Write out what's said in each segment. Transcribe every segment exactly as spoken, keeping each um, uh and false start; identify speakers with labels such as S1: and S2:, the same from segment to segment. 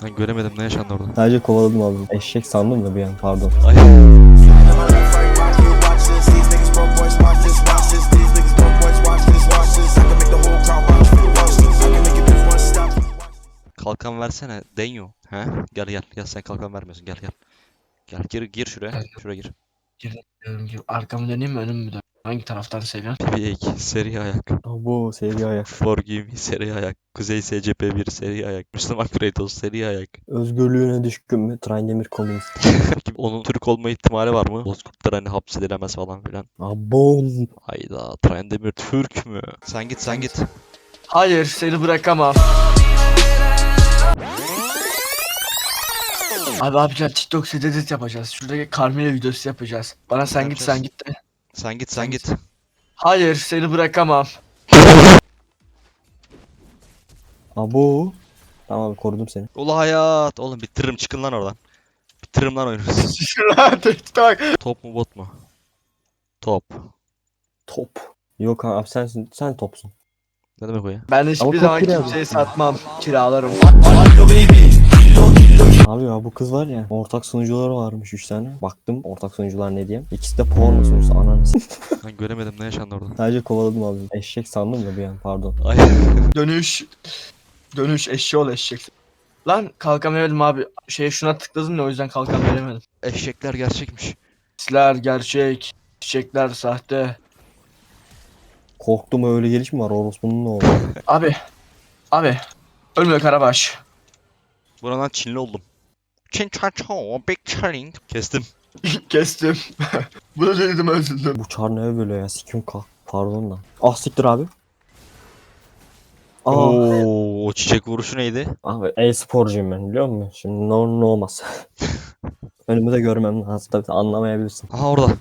S1: Ben göremedim, ne yaşandı orada?
S2: Sadece kovaladım abi. Eşek sandım da bir an, pardon.
S1: Ay. Kalkan versene Denyo. He? Gel gel gel, sen kalkan vermiyorsun, gel gel. Gel gir gir şuraya.
S3: Evet.
S1: Şuraya gir.
S3: Girdim, girdim, girdim. Arkamı döneyim mi, önümü mü döneyim? Hangi taraftan seviyorsun?
S1: P B iki seri ayak.
S2: Bu seri ayak.
S1: Forgive me seri ayak. Kuzey S C P bir seri ayak. Müslüman Kratos seri ayak.
S2: Özgürlüğüne düşkün mü? Trindemir komünist.
S1: Peki onun Türk olma ihtimali var mı? Bozkurtlar hani hapsedilemez falan filan.
S2: Abon.
S1: Hayda, Trendemir Türk mü? Sen git sen git.
S3: Hayır, seni bırakamam. Abi abi gel, TikTok set edit yapacağız. Şuradaki Carmela videosu yapacağız. Bana sen git sen git de.
S1: Sen git sen
S3: Sen
S1: git.
S3: Hayır, seni bırakamam.
S2: Abo. Tamam abi, korudum seni.
S1: Ula hayat. Oğlum bitiririm, çıkın lan oradan. Bitiririm lan oyunu.
S3: Şuraya TikTok.
S1: Top mu bot mu? Top.
S2: Top. Yok abi, sensin. Sen topsun.
S1: Ne demek o ya?
S3: Ben
S2: Ama
S3: hiçbir
S2: çok
S3: zaman
S2: kira
S3: kimseye
S2: yapıyorsun.
S3: satmam. Kiralarım.
S2: Abi ya, bu kız var ya, ortak sunucuları varmış üç tane. Baktım ortak sunucular ne diyeyim. İkisi de porno sunucusu, ananı s-
S1: Ben göremedim, ne yaşandı orada?
S2: Sadece kovaladım abi. Eşek sandım da bir an, pardon.
S1: Ay.
S3: Dönüş. Dönüş eşeği ol eşek. Lan kalkamadım abi. Şey şuna tıkladım da o yüzden kalkan veremedim.
S1: Eşekler gerçekmiş.
S3: Sisler gerçek. Çiçekler sahte.
S2: Korktum, öyle geliş mi var? Orospunun ne oldu?
S3: Abi. Abi. Ölmüyor Karabaş.
S1: Buradan Çinli oldum. Çin çan çan, big challenge. Kestim.
S3: Kestim. Bunu dedim özledim.
S2: Bu çar ne böyle ya? Sikim kalk. Pardon da. Ah siktir abi. Aa.
S1: Oo, o çiçek vuruşu neydi?
S2: Abi e-sporcuyum ben, biliyor musun? Şimdi ne olur ne olmaz. Önümü de görmem lazım. Tabii anlamayabilirsin.
S1: Aha orada.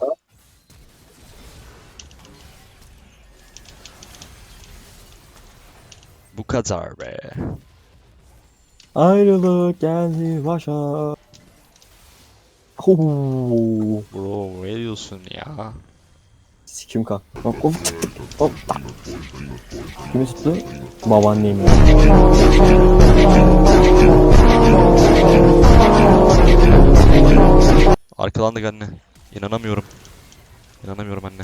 S1: Bu kadar be.
S2: Ayrılık geldi başa. Huu.
S1: Bro ne diyorsun ya?
S2: Sikim kalk. Hop hop hop. Kimi tuttu? Babaannem.
S1: Arkalandık anne. İnanamıyorum. İnanamıyorum anne.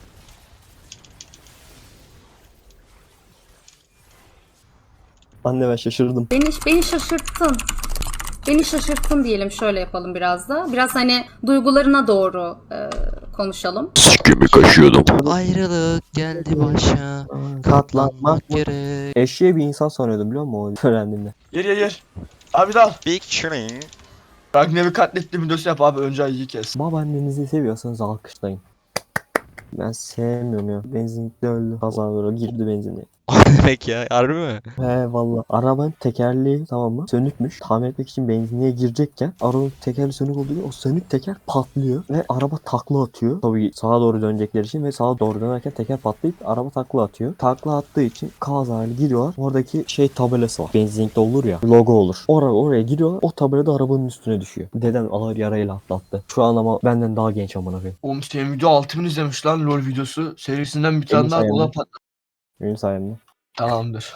S2: Anne ben şaşırdım.
S4: Beni, beni şaşırttın. Beni şaşırttın diyelim, şöyle yapalım biraz da. Biraz hani duygularına doğru e, konuşalım.
S1: Ayrılık geldi başa. Katlanmak gerek.
S2: Eşeğe bir insan sanıyordum, biliyor musun o öğrendiğimde?
S3: Yer yer yer. Abi dal.
S1: Big challenge.
S3: Ragnar'ı katlettiğim videosu yap abi, önce ayıyı kes.
S2: Babaannenizi seviyorsanız alkışlayın. Ben sevmiyorum ya. Benzinlikte öldü. Kazan böyle girdi benzinliğe.
S1: O ne demek ya? Harbi mi?
S2: He valla. Arabanın tekerleği, tamam mı, sönükmüş. Tamir etmek için benzinliğe girecekken arabanın tekerleği sönük olduğu için o sönük teker patlıyor ve araba takla atıyor. Tabii sağa doğru dönecekleri için ve sağa doğru dönerken teker patlayıp araba takla atıyor. Takla attığı için kazayla giriyorlar. Oradaki şey tabelası var. Benzinlikte olur ya, logo olur. Oraya, oraya giriyorlar. O tabela da arabanın üstüne düşüyor. Dedem ağır yarayla atlattı. Şu an ama benden daha genç amına koyayım.
S3: Oğlum senin video altı bin izlemiş lan, LoL videosu. Serisinden bir tane
S2: Benim
S3: daha, o da
S2: sayemde.
S3: pat.
S2: Benim sayemde.
S3: Tamamdır.